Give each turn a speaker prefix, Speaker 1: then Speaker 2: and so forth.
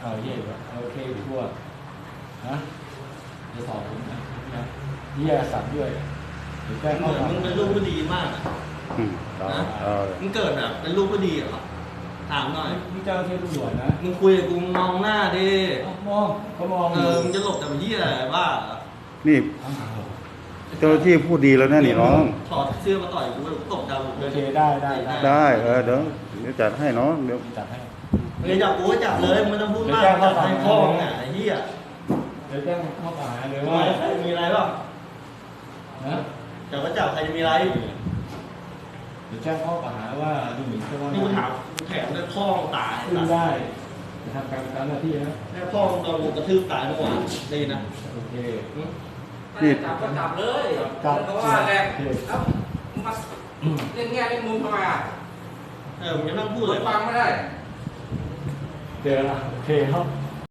Speaker 1: เอาเยี่ยโอเคทั่วนะจะสอบผมนะเยี่ยสั่งด้วยหรือแก้ข้อหา
Speaker 2: มึงเป็นลูกผู้ดีมากนะมึงเกิดแบบเป็นลูกผู้ดีเหรอถามหน่อย
Speaker 1: มึงเจ้าที่ตำรวจนะ
Speaker 2: มึงคุยกับกูมองหน้าดิ
Speaker 1: มองก็มอง
Speaker 2: มึงจะหลบแต่เหี้ยอะไรบ้า
Speaker 3: นี่เจ้าที่พูดดีแล้วนะนี่น้อง
Speaker 2: ถอดเสื้อมาต่อยกูตกดาว
Speaker 1: โอเคได้
Speaker 3: เดี๋ยวจัดให้น้องเดี๋ยว
Speaker 1: จัดให้
Speaker 2: มึงจับกูก็จับเลยไม่ต้องพูดมากจับให้พ่อไงไอ้เหี้ย
Speaker 1: เดี๋ยวแจ้งข้อกล่าวหาเลยว่า
Speaker 2: ใครมีอะไรบ้าง
Speaker 1: นะ
Speaker 2: จับก็จับใครจะมีอะไร
Speaker 1: เดี๋ยวแจ้งข้อกล่าวหาว่าดูหมิ่นเจ้าพนักงาน
Speaker 2: นี่กูถามแถมได้พ่อตาย
Speaker 1: ขึ้นได้จะทำการหน้าที่นะ
Speaker 2: แม่พ่อโดนกระทืบตายเมื่อวานได้นะ
Speaker 1: โอเค
Speaker 4: นี่จับก็จับเลยเพราะว่าแหละแล้วมาเล่นแง่เล่นมุมทำไมอ่ะ
Speaker 2: มึงจะนั่งพูดเลย
Speaker 4: ฟังไม่ได้
Speaker 1: เจอละโอเคครับ